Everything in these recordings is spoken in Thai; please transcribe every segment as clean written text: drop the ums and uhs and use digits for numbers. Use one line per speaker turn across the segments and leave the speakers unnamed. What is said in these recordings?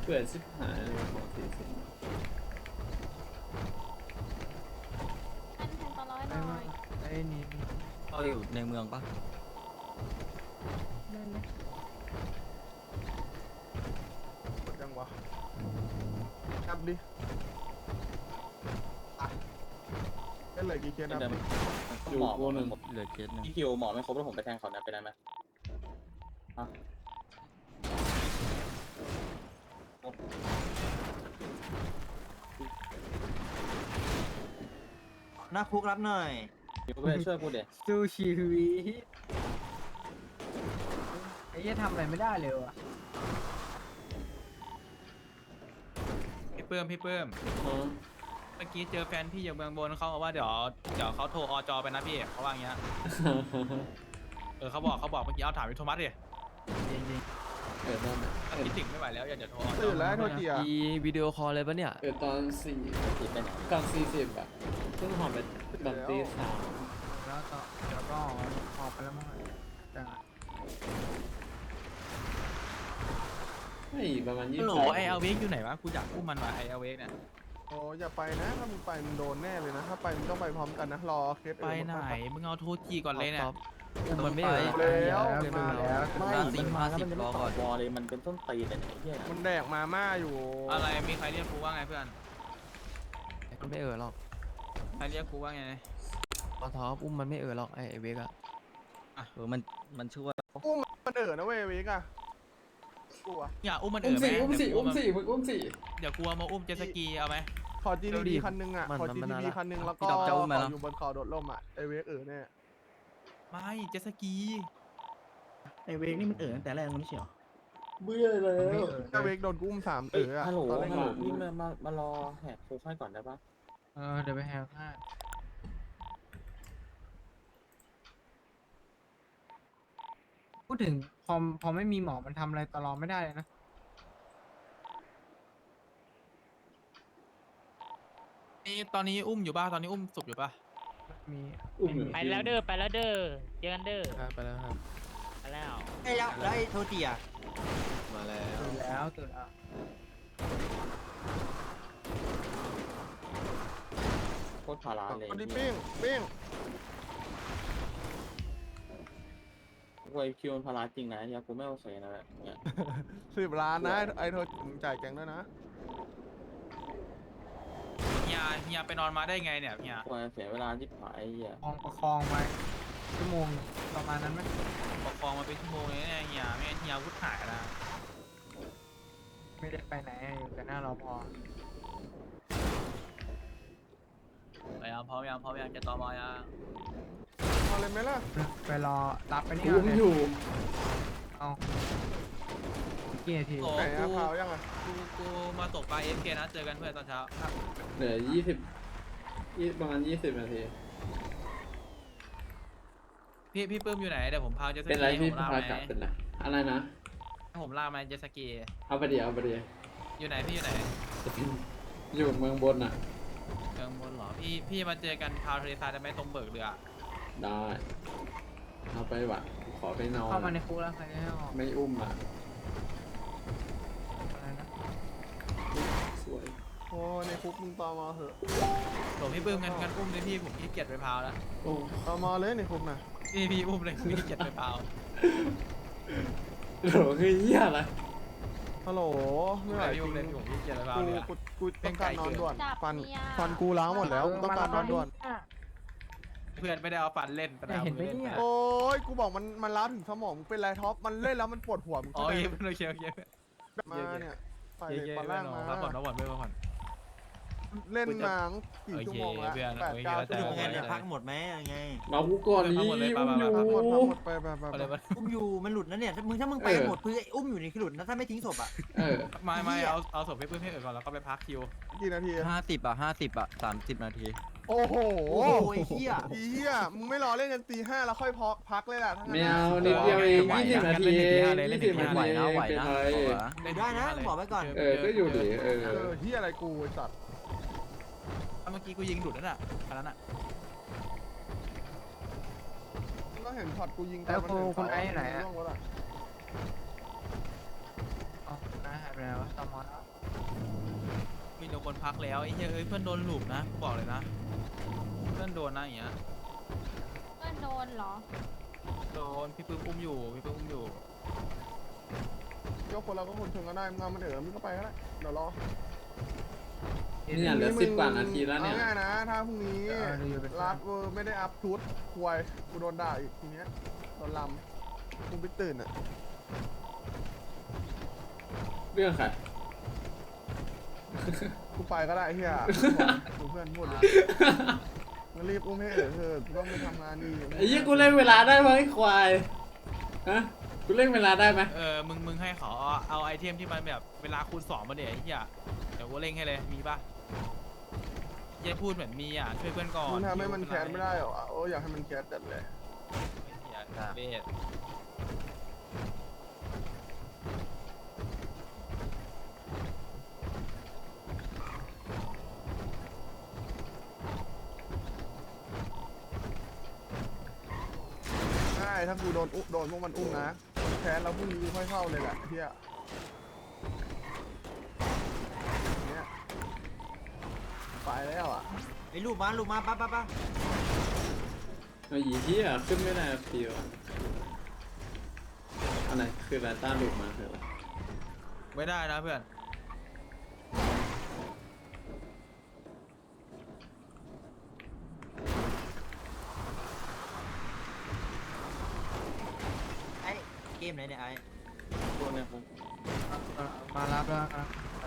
เปิดชิบหายเลยของ40
ท่านแทนตอร้อยหน่อย
ไอ้นี่
เราอยู่ในเมืองปะ
เดินเลย
กดยังวะนับดิอ่ะเล่นเลยกี่เคสนับดิ
อยู่โกหนึ่ง
เหลือเคสหนึง
พี่คิวหมอไม่ครบแล้วผมไปแทงเขาเนี่ยไปได้ไหม
หน้าคุกรับหน่อย
คิวก็ไปช่วยกูเดี๋ยว
สู้ชีวิตไอ้เหี้ยทำอะไรไม่ได้เลยว่ะ
พี่เปิ้มเมื่อกี้เจอแฟนพี่อยู่เมืองบนเขาบอกว่าเดี๋ยวเขาโทรอจไปนะพี่เขาว่าอย่างเงี้ยเขาบอกเมื่อกี้เอาถามพี่โทมัสดิ
เปิดตอน
คิดถึงไม่ไหวแล้วอยากจะโทรอจ
ตื่นแล้วโทษทีอ่ะ
มีวิดีโอคอลเลยปะเนี่ย
เปิดตอน4
ผิดไปไหน
ก่อน40อะเพิ่งหอมไปตอนตี3
แล้วก็เดี๋ยวก็ออกไปแล้วมั้งแต่
ไม่ประมาณ20
โหลไอเอลเวกอยู่ไหนวะกูอยากอุ้มมันว่ะไอเอลเวกเนี่ย
โอ้อย่าไปนะถ้ามึงไปมึงโดนแน่เลยนะถ้าไปมึงต้องไปพร้อมกันนะรอเคส
ไปไหนมึงเอาโทรจีก่อนเลยเนี่ย
อุ้มมันไม่เอ่ย
แล้วมาแล้ว
ไม่50รอก่อน
วอลเลยมันเป็นต้นตีแต่ไหนเฮีย
มันแดกมาม่าอยู่
อะไรมีใครเรียกกูว่าไงเพื่อน
มันไม่เอ่ยหรอก
ใครเรียกกูว่าไง
พอท็อปอุ้มมันไม่เอ่ยหรอกไอ้เวกอะ
มันช่วย
มันนะเว้ยวิกอะกลัว
อย่าอุ้มมัน
อุ้ม
ไหม
4 มึงอุ้ม4
เดี๋ยวกลัวมาอุ้มเจตสกีเอาไหม
ขอ GTB คันนึงอ่ะขอ GTB คันนึงแล้วก็อยู่บนเขาโดดร่มอ่ะไอเวกเนี่ย
ไม่เจตสกี
ไอเวกนี่มันตั้งแต่แรกมันไม่ใช่เหรอ
เบื่อแล้ว
ไอเวกโดนกุ้ม3
เอ้ย
อ่ะ
ฮัลโหล
ตอนแรก
พี่มารอแหกโค้งให้ก่อนได้ปะ
เดี๋ยวไปแฮกให้พูดถึงพอไม่มีหมอมันทำอะไรตลอดไม่ได้เลยนะ
นี่ตอนนี้อุ้มอยู่ป่ะตอนนี้อุ้มศพอยู่ป่ะ
มี
อุ้มอยู่
ไปแล้วเด้อไปแล้วเด้อเจอกันเด้อ
ไปแล้วครับ
ไปแล้ว
ไอ้แล้วไอ้โทจิอ่ะ
มาแล้ว
ตื่นแล้วตื่นแล้ว
โคตรพาราเลย
คนที่ปิ้ง
กูไอคิวมันพาราจริงนะเฮียกูไม่โอเคนะแบบเนี่ย
10 ล้านนะไอโทรจ่ายแกงด้วยนะ
เฮียไปนอนมาได้ไงเนี่ยเฮีย
กูเสียเวลาที่ผายเฮีย
ประคองไปชั่วโมงประมาณนั้นไหม
ประคองมาเป็นชั่วโมงเลยเนี่ยเฮียไม่งั้นเฮียอาวุธหายนะ
ไม่ได้ไปไหนอยู่แต่หน้ารอพอ
พยายามพร้อมยังจะต่อมายัง
เอาเลยไหมล่ะไปรอรับไปนี่
อุ้มอยู่
เอากี่นาที
โอ้
ไหน
กู
อะพาวยังอะ
กูมาตกปลาเอฟเคนะเจอกันเพื่อนตอนเช้า
เหลือ20ประมาณ20 นาที
พี่ปื้มอยู่ไหนเดี๋ยวผมพาเจตส
เป็นไร
กี
พี่
ผมลาก
พา
ไห
กลับ
ม
เป็นไรอะไรนะ
ผมลากมาเจตสกี
เอาไปเดี๋ยว
อยู่ไหนพี่อยู่ไหน
อยู่เมืองบนอ่ะ
เมืองบนเหรอพี่มาเจอกันพาวทะเลทรายได้ไหมตรงเบิกเรือ
ได้เอาไปวะขอไปนอน
เข้ามาในคุกแล้วใครจะให้ออก
ไม่อุ้มอ่ะ
อะไรนะ
สวย
โอ้ในคุกมึงตอมอเหอะ
โหพี่ปื้มงั้นอุ้มเลยพี่ผมขี้เกียจไปพาวแล้ว
โอ้
ตอมอเลยในคุกนะ
พี่อุ้มเลยขี้เกียจไปพาว
โหคือเหี้ยอะไร
ฮัลโหลไม่ไหวจ
พี่
ริ
อุ้
ง
มเลยผมขี้เกียจไปพาว
กู
เลยอะ
กูต้องการนอนด่วนฟันกูล้างหมดแล้วกูต้องการนอนด่วน
เพื่อนไม่ได้เอาฟันเล่นแต่เห็นไหมเนี่ย
โอ้ยกูบอกมันล้าถึงสมองมึงเป็นไรท็อปมันเล่นแล้วมันปวดหัวมึง
อ๋อ
เข้าใจ
โอเค
มาเนี่ยใส่
เย้
เหล็ก
ๆ
ปลาล่างมา
พักผ่อนเพื่อน
เล่นหนังกี่ชั่วโมงแล้ว
โอเคเพื่อน
8-9
โอเค
ชั่วโมง
ยังไง
แล้ว
เนี่ยพักหมดไหมยังไง
มากูก่อนนี้
เอาหมดเลย
อุ้มอยู่
ไป
ทั้งหมดไป
อะไรวะ
อุ้มอยู่มันหลุดนะเนี่ยถ้ามึงไปหมดคือไอ้อุ้มอยู่นี่คือหลุดนะถ้าไม่ทิ้งศพอ่ะ
เออ
ไม่เอาศพให้เพื่อนให้เอ๋ก่อนแล้วก็ไปพักคิว
กี่นาที
50 30 นาที
โอ้โห
โอ้โหไอ้เหี้ย
อีเหี้ยมึงไม่รอเล่นกันตี 5แล้วค่อยพักเลยล่ะทั้งนั้
ไม่
น
เอานิดเดียวเอง20 นาทีเอง20 นา
ไหว
ที
นะไหว
เป็น
นะ
ไร
อยู่ได้นะบอกไว้ก่อน
เออก็อยู่ดิเออ
เหี้ยอะไรกูไอ้สัตว์
เมื่อกี้กูยิงหลุดนั่นน่ะอันนั้นน่ะ
ก็เห็นช็อตกูยิงแล้วคุณไอ้ไหนอ่ะอ๋อนะ
หายไปไหนวะตอมอ
มีแต่คนพักแล้วไอ้เหี้ยเอ้ยเพื่อนโดนหลุมนะกูบอกเลยนะเพื่อนโดนนะอย่างเงี้ย
เพื่อนโดนเหรอ
โดนพี่ปื้มอุ้มอยู่พี่ปื้มอุ้มอยู่
ยกคนเราก็คนชนก็ได้มึงเอามันเถอะมึงก็ไปก็ได้เดี๋ยวรอ
เนี่ยเหลือ10 กว่านาทีแล้วเนี่ย
เอาง่ายนะถ้าพรุ่งนี้รับไม่ได้อัพชุดควยกูโดนด่าอีกทีเนี้ยโดนลำกูไปตื่นอ่ะ
เรื่องใคร
กูไปก็ได้เฮียกูเพื่อนพูดเลยมึงรีบอุ้มให้เถอะกูต้องไปทำงานดี
ไอ้ยี่กูเล่นเวลาได้ไหมไอ้ควายฮะกูเล่นเวลาได้ไหม
มึงให้เขาเอาไอเทมที่มันแบบเวลาคูณ2มาเดี๋ยวไอ้เหี้ยเดี๋ยวกูเร่งให้เลยมีปะอย่าพูดเหมือนมีอ่ะช่วยเพื่อนก่อน
มึงทำให้มันแคสไม่ได้หรอโอ้อยากให้มันแคสจัดเลย
เหี้ยเบส
ใช่ถ้ากูโดนพวกมันอุ้มนะแคสแล้วพรุ่งนี้กูค่อยเข้าเลยแหละเฮียเนี่ยไปแล้วอ่ะ
ไอ้ลูกมาป้า
ไอ้ยี่ที่ขึ้นไม่ได้ฟิวอันไหนคืออะไรต้าหลุดมาคืออะไร
ไม่ได้นะเพื่อน
ไอ้เกมไหนเนี่ยไอ้
ตัวเนี่ยผม
มารับแล้วนะ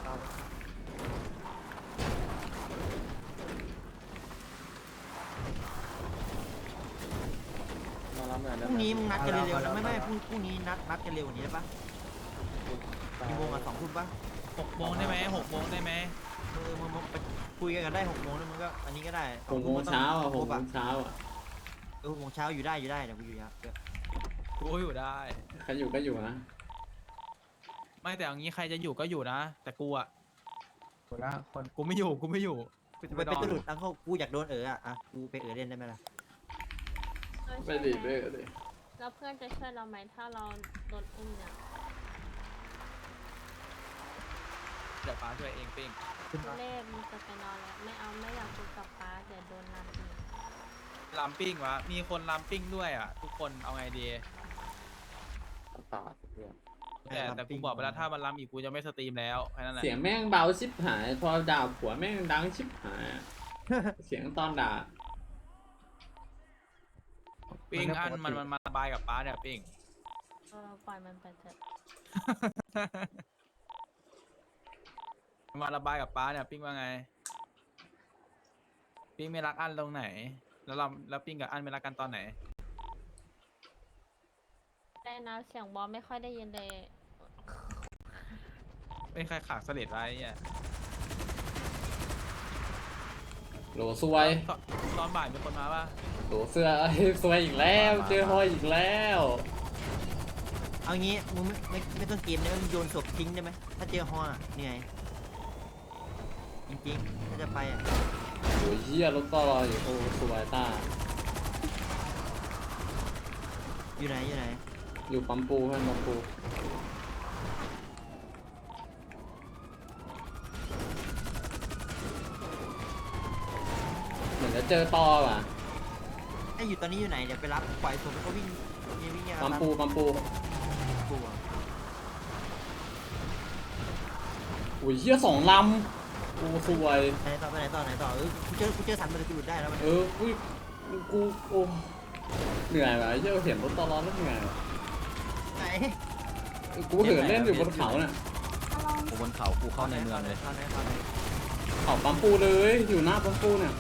มารับหน่อย
พ
ได้
รุ่ง
ไหม
นี้มึงนัดกันเร็วๆนะไม่พรุ่งนี้นัดกันเร็วกว่านี้ได้ปะกี่โมงอ่ะ2 ทุ่มปะ
6 โมงได้ไหม6 โมงได้ไหม
มึงไปคุยกันได้6 โมงแล้วมึงก็อันนี้ก็ได้
6 โมงเช้าอ่ะ6 โมงเช้าอ่ะ
6 โมงเช้าอยู่ได้เดี๋ยวกูอยู่ครับ
กูอยู่ได้
ใครอยู่ก็อยู่นะ
ไม่แต่อย่างนี้ใครจะอยู่ก็อยู่นะ แต่กูอ่ะ
หมดละคน
กูไม่อยู่กูจะ
ไป
นอน
ตลุดแล้วกูอยากโดนอ่ะกูไปเล่นได้ไหมล่ะ
ไม่ดีไม่ดี
แล้วเพื่อนจะช่วยเราไหมถ้าเราโดนอุ้มเนี่ย
เดี๋ยวป้าช่วยเองปิ้ง
ทุเล่มึงจะไปนอนแล้วไม่อยากคุยกับป้าเดี๋ยวโดนนำอีก
ลำปิ้งวะมีคนลำปิ้งด้วยอ่ะทุกคนเอาไงดี
ตาดเนี่ย
แต่กูบอกไปแล้วถ้ามันลำอีกกูจะไม่สตรีมแล้วแค่นั้นแหละ
เสียงแม่งเบาชิบหาย พอด่าผัวแม่งดังชิบหายอะ เสียงตอนด่า
ปิ้งอันมันมาระบายกับป้าเนี่ยปิ้ง
ปล่อยมันไปเถอะ
มาระบายกับป้าเนี่ยปิ้งว่าไงปิ้งไม่รักอันตรงไหนแล้วปิ้งกับอันไม่รักกันตอนไหน
ได้นะเสียงบอลไม่ค่อยได้ยินเลย
เป็นใครขากเสลดไว้เนี่ย
โหลซวย
ตอนบ่ายมีคนมาป่ะ
โหลเสื้อเอ้ยซวยอีกแล้ว เจอฮอยอีกแล้ว
เอางี้มึงไม่ต้องเกมได้ไหมมึงโยนศพทิ้งได้ไหมถ้าเจอฮอนี่ไงจริงๆถ้าจะไปอ่ะ
โอ้ยเหี้ยรถต่อรออยู่โอ้สวยต้า
อยู่ไหน
อยู่ปั๊มปูเพื่อนปั๊มปู เหมือนจะเจอต่อว่ะ
ไอ้อยู่ตอนนี้อยู่ไหนเดี๋ยวไปรับปล่อยศพแล้วก็วิ่งอ่ะ
ปั๊มปูปั๊มปู
ปูอ่ะ
โอ้ยเหี้ย2 ลำโอ้สวย
ไปไหนต่อกูเจอสันมันจะหลุดได้แล้วมัน
อุ้ยกูโอ้เหนื่อยว่ะเหี้ยเห็นรถต่อรอแล้วเหนื่อยว่ะ
ไหน
กูเหินเล่นอยู่บนเขาน่ะ
กูบนเขากูเข้าในเมืองเลย
เข้าไหน
เขาปั๊มปูเลยอยู่หน้าปั๊มปูเนี่ย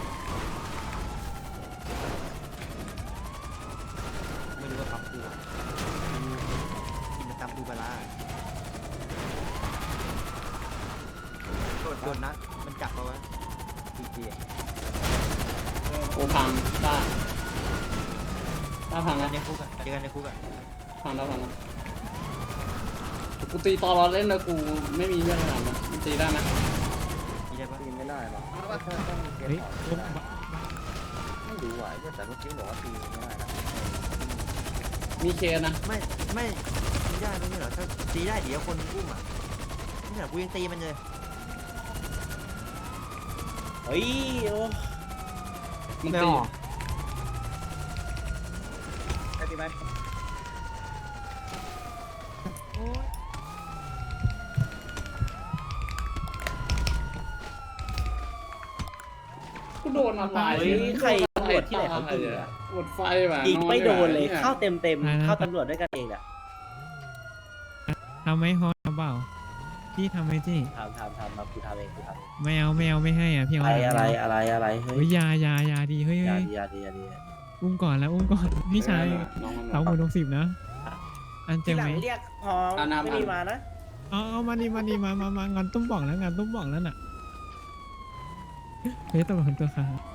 ไม่รู้ว่าขับปูอ่ะกินตำปูปลาร้าโดนนะมันจับเอาไว้ที
โอ้พังต้าพัง
กั
แล้
น
ว
ในคุกอ่ะเจอกันในคุกอ่ะ
พังแล้วกูตีตอรอเล่นแล้วกูไม่มีเรื่องอะไรนะมันตีได้ไหม
มีได้ปะ
ตีไม่ได้หรอก
เฮ้ย
ไม่รู้อ่ะแต่เมื่อกี้บอกว่าตีไม่ได้นะ
มีเคสนะ
ไม่ตีได้ไม่ใช่เหรอถ้าตีได้เดี๋ยวคนอุ้มอ่ะไม่ใช่กูยังตีมันเลย
เฮ้ยโอ้
มัน
ไม่
ตี
ออกไปตีไป
กูโดนอะไร
เฮ้ยใครตำรวจที่ไหนเขายิงอะ
หมดไฟว่ะ
ยิงไม่โดนเลย
อ
เข้าเต็มเข้าตำรวจด้วยกันเองอะ
ทำไหมฮอเปล่าพี่ทำไหมจี้
ทำมากูทำเองกูทำเอง
ไม่เอาไม่ให้อ่ะพี่เอา
อะไรเฮ้
เฮ้
ย
ยยาดีเฮ้ย
อย่า
เฮ้ย
ดีอย่าดีอย่าดี
อุ้มก่อนแล้วอุ้มก่อนพี่ชาย
น้องมัน
สาวหัว60นะอันเจ
ที่
อ
หลั
ไห
ง
ม
เรียกพอไม่มีมานะ
เอามางานตุ้มบ่องแล้วงานตุ้มบ่องแล้วน่ะเฮ้ยตัวคนตัวขา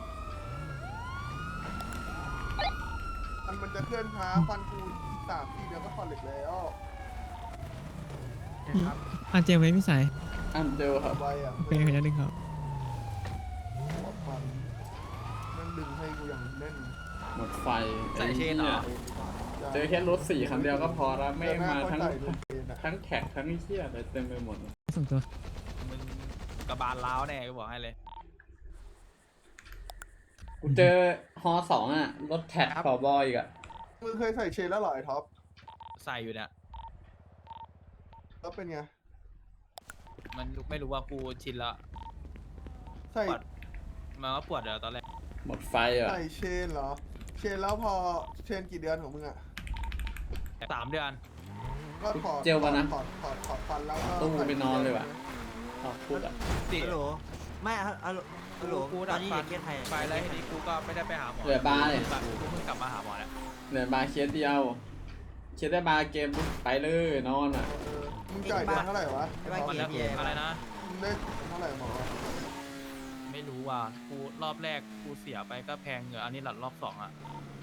มันจะเคลื่อนช้าฟันกู3-4 เดือนก็คอนเหล็กแล้ว
อันเจอไหมพี่ชาย
อันเดียวครับ
ไวอ่ะ
เป็นขยันดึงครับ
ฟันมันดึงให้กูอย่างแน่น
หมดไฟ
ใส่เชนเหรอ
เจอแค่รถ4 คันเดียวก็พอแล้วไม่มาทั้ง
ใส่รถเชนอะ
ทั้งแท็กทั้งเชี่ยอะไรเต็มไปหมด
ส่งตัว
มึงกระบาลล้าวแน่กูบอกให้เลย
กูเจอฮอ2อ่ะรถแท็กขอบอยอีกอ่ะ
มึงเคยใส่เชนแล้วเหรอไอ้ท็อป
ใส่อยู่เนี่ย
แล้วเป็นไง
มันไม่รู้ว่ากูชินละ
ใส่
ปวดมันก็ปวดเดี๋ยวตอนแรก
หมดไฟอ่ะ
ใส่เชนเหรอ เชนแล้วพอเชนกี่เดือนของมึงอ่ะ
3 เดือน
ก็ถอด
เจลวะนะ
ถอดฟันแล้วก็
ตู้ไปนอนเลยว่ะ อ๋อพูดอ่ะ
ฮัลโหลไม่ฮัลโหล
กู
ต
ดั
อน
ด
นี้
ฟั
เด็
น
กเกียรไทย
ไปแล้วทีนี้กูก็ไม่ได้ไปหาหมอ
เหลือบาร์เลย
กูเพิ่งกลับมาหาหมอเนี่ย
เหลือบาร์เคสเดียวเคสได้บาร์เกมไปเลยนอนอ่ะ
เออมึงจ่ายเดือนเท่าไหร่วะ
ไอ้บ้า
มัน
เกีย
แล้ว
ร์พี่
อะไรนะ
มึงได้เท่าไหร่หมอ
ไม่รู้ว่ะกูรอบแรกกูเสียไปก็แพงอยู่อันนี้หลัดรอบ2อ่ะ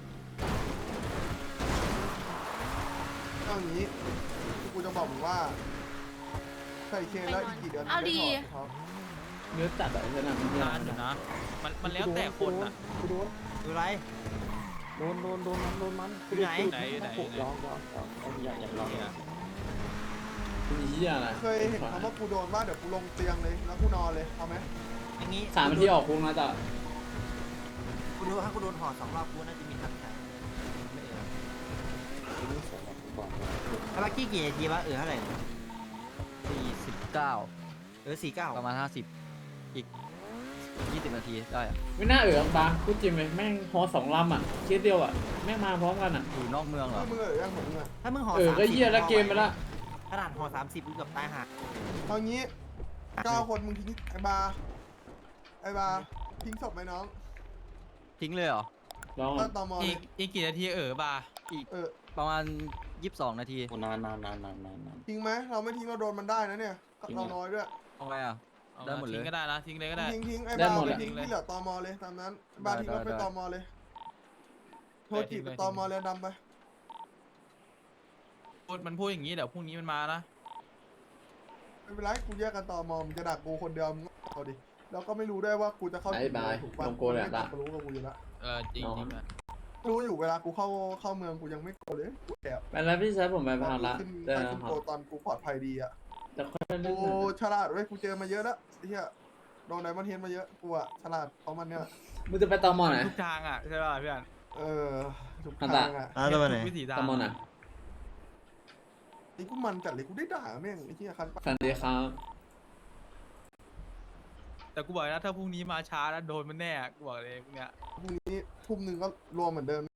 เอาอย่างนี้กูจะบอกมึงว่า ใส่เชนแล้วอีกกี่เดือน
เอาดี
มึงได้ถอด
เนื้อจัดอะใช่ไหมมัน
นานอยู่นะ มันแล้วแต่คนอ่ะ
กูโดน
ดูไร
โดนมัน
อยู่ไหน
ไหนลองอย่างลองเนี่ย
มีเหี้ยอะไร
เคยเห็นคำว่ากูโดนว่าเดี๋ยวกูลงเตียงเลยแล้วกูนอนเลยเอาไหม
อย่างงี้
3 นาทีออกคุกนะจ๊ะ
กูดูถ้ากูโดนห่อ2 รอบกูน่าจะมีทางใช้ไม่เออไอ้บ้ากี้กี่นาทีวะเท่าไหร่
49
49
ประมาณ50อีก20 นาทีได้อะ
ไม่น่าบาร์พูดจริงเลยแม่งฮอ2 ลำอ่ะเคสเดียวอ่ะแม่งมาพร้อมกันอ่ะ
อยู่นอกเมืองเหรอ
มึงยังของมึงอ่ะ
ถ้ามึงห่อ
ก็เหี้ยแล้วเกมไปละ
ขนาดห่อ30กูเกือบตายห่า
เอางี้9 คนมึงทิ้งไอ้บาร์ทิ้งศพไหมน้อง
ทิ้งเลยเหรอ
ลอง
ก็ตอมอเล
อี
ย
กกี่นาทีบาร์
เออ
ประมาณ22 นาที
นาน
ทิ้งไหมเราไม่ทิ้งเราโดนมันได้นะเนี่ยเราน้อยด้วย
เอาไงอ่ะ ได้หมดเลย
ทิ้งก็ได้นะทิ้งเลยก็ได้
ทิ้งไอ้บาร์ไปทิ้งที่เหลือตอมอเลยตามนั้นบาร์ทิ้งรถไปตอมอเลยโทรจีบไปตอมอเลยดำไป
มันพูดอย่างนี้เดี๋ยวพรุ่งนี้มันมานะ
ไม่เป็นไรกูแยกกันตอมอมึงจะดักกูคนเดียวมึงเอาดิแล้วก็ไม่รู้ได้ว่ากูจะเข้า
ไอ้บาย
ถูกปะ
ลงโกนแหละ
ไม่รู้กับกูอยู่แล้ว
จริงๆอะ
รู้อยู่เวลากูเข้าเมืองกูยังไม่โกนเลยกูแอบ
ไปแล้วพี่ชายผมไปพาละ
ขึ้น
เจอ
ขึ้
กัน
น
ครั
โก
บ
ตอนกูปลอดภัยดีอ่ะ
จะค่อยเล่น
กูฉลาดเว้ยกูเจอมาเยอะแล้วไอ้เฮียโดนไดมอนด์เฮดมาเยอะกูอะฉลาดเพราะมันเนี่ย
มึงจะไปตอมอไหน
ทุกทางอ่ะใช่ป่ะเพื่อน
ทุก
อัน
ทา
ตะ
งอ่ะ
ตัวไหน
ทุกวิถีทาง
ตอมอไหน
นี่กูมันจัดเลยกูได้ด่าแม่งไอ้เฮียคันปะ
สวัสดีครับ
แต่กูบอกนะถ้าพรุ่งนี้มาช้าแล้วโดนมันแน่กูบอกเลยพวกเนี้ย
พรุ่งนี้ทุ่มหนึ่งก็รวมเหมือนเดิม